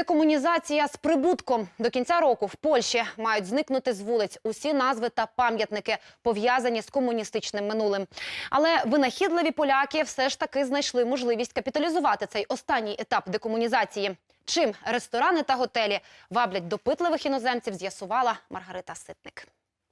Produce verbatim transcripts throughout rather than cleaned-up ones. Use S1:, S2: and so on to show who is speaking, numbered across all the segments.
S1: Декомунізація з прибутком. До кінця року в Польщі мають зникнути з вулиць усі назви та пам'ятники, пов'язані з комуністичним минулим. Але винахідливі поляки все ж таки знайшли можливість капіталізувати цей останній етап декомунізації. Чим ресторани та готелі ваблять допитливих іноземців, з'ясувала Маргарита Ситник.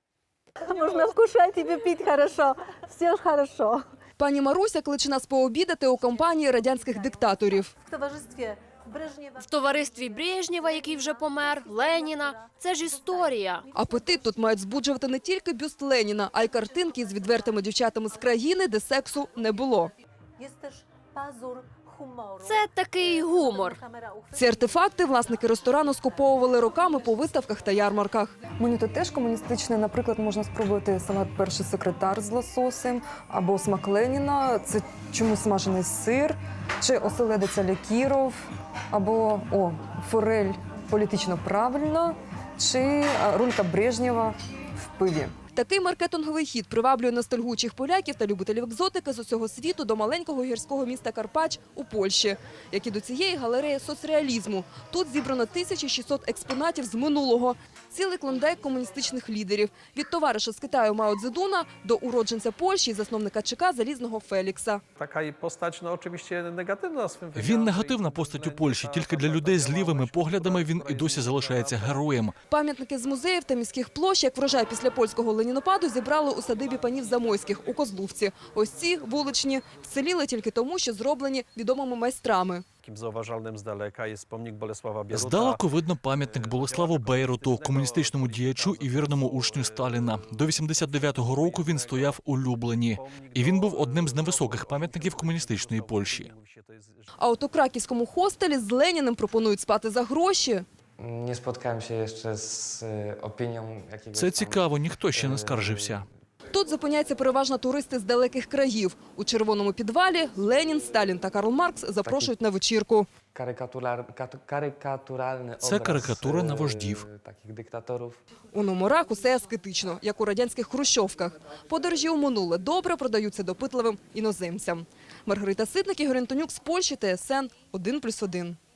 S2: Можна скушати і пити хорошо. Все ж хорошо.
S3: Пані Маруся кличе нас пообідати у компанії радянських диктаторів.
S2: В товаристві Брежнєва.
S4: В товаристві Брежнєва, який вже помер, Леніна. Це ж історія.
S3: Апетит тут мають збуджувати не тільки бюст Леніна, а й картинки з відвертими дівчатами з країни, де сексу не було.
S2: Є теж пазур гумору.
S4: Це такий гумор.
S3: Ці артефакти власники ресторану скуповували роками по виставках та ярмарках.
S5: Меню тут теж комуністичне. Наприклад, можна спробувати салат «Перший секретар» з лососем, або смак Леніна, це чомусь смажений сир, чи оселедець Алякіров, або о, форель політично правильно, чи рулька Брежнєва в пиві.
S3: Такий маркетинговий хід приваблює ностальгуючих поляків та любителів екзотики з усього світу до маленького гірського міста Карпач у Польщі, як і до цієї галереї соцреалізму. Тут зібрано тисяча шістсот експонатів з минулого. Цілий клондайк комуністичних лідерів. Від товариша з Китаю Мао Цзедуна до уродженця Польщі і засновника ЧК Залізного Фелікса.
S6: Така постать, ну, очевидно, негативна.
S7: Він негативна постать у Польщі. Тільки для людей з лівими поглядами він і досі залишається героєм.
S3: Пам'ятники з музеїв та міських площ, як врожай після польського ленінопаду, зібрали у садибі панів Замойських у Козлувці. Ось ці, вуличні, вціліли тільки тому, що зроблені відомими майстрами.
S6: Таким зауважальним здалека є помник Болеслава Бєрута.
S7: Здалеку видно пам'ятник Болеславу Бейруту, комуністичному діячу і вірному учню Сталіна. До вісімдесят дев'ятого року він стояв у Люблені. І він був одним з невисоких пам'ятників комуністичної Польщі.
S3: А от у краківському хостелі з Леніним пропонують спати за гроші.
S8: Nie spotkałem się jeszcze z e, opinią jakiegoś
S7: Це
S8: tam,
S7: цікаво, ніхто ще не скаржився.
S3: Тут зупиняються переважно туристи з далеких країв. У червоному підвалі Ленін, Сталін та Карл Маркс запрошують на вечірку.
S8: karykaturalny, karykaturalny
S7: Це
S8: obraz,
S7: карикатура на
S8: e,
S7: вождів.
S8: takich dyktatorów.
S3: У номерах усе аскетично, як у радянських хрущовках. Подорожі у минуле добре продаються допитливим іноземцям. Маргарита Ситник, Ігор Антонюк з Польщі, Т С Н один плюс один.